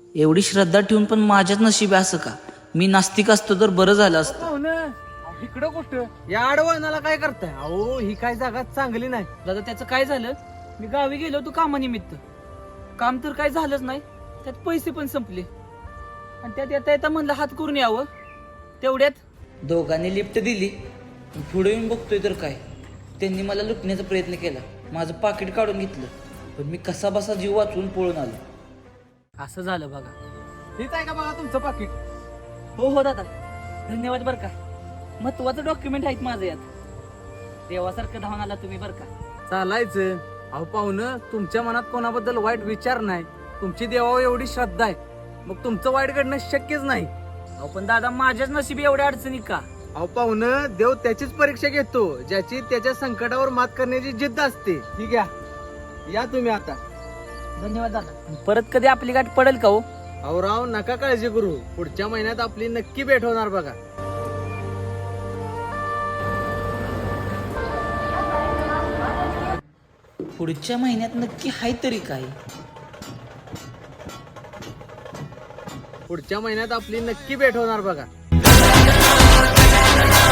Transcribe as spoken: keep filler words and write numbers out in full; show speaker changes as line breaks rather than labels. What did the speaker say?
एवढी श्रद्धा ठेवून पण माझ्याच नशिबी असं का? मी नास्तिक असतो तर बरं झालं असतं.
हो ना. अहो, इकडं कुठं या आडवळणाला काय करताय? अहो ही काय जागा चांगली नाही.
दादा त्याचं काय झालं, मी गावी गेलो होतो कामानिमित्त. काम तर काय झालंच नाही, त्यात पैसे पण संपले आणि त्यात येता येता म्हणलं हात करून यावं. तेवढ्यात
दोघांनी लिफ्ट दिली. पुढे येऊन बघतोय तर काय, त्यांनी मला लुटण्याचा प्रयत्न केला. माझं पाकिट काढून घेतलं, पण मी कसा बसा जीव वाचवून पळून आलो.
असं झालं बघा.
हेच आहे का बघा तुमचं पाकिट?
हो हो दादा, धन्यवाद बरं का. महत्वाचं डॉक्युमेंट आहेत माझं यात. देवासारखं धावून आला तुम्ही बरं का.
चालायचं. अहो पाहुणं, तुमच्या मनात कोणाबद्दल वाईट विचार नाही. तुमची देवावर एवढी श्रद्धा आहे, मग तुमचं वाईट घडणं शक्यच नाही.
अहो पण दादा माझ्याच नशिबी एवढ्या अडचणी का?
अहो पाहुणं, देव त्याचीच परीक्षा घेतो ज्याची त्याच्या संकटावर मात करण्याची जिद्द असते. ठीक आहे, या तुम्ही आता.
धन्यवाद दादा. परत कधी आपली गाठ पडेल का हो?
अहो राव, नका काळजी करू. पुढच्या महिन्यात आपली नक्की भेट होणार बघा.
पुढच्या महिन्यात नक्की हाय तरी काय?
पुढच्या महिन्यात आपली नक्की भेट होणार बघा.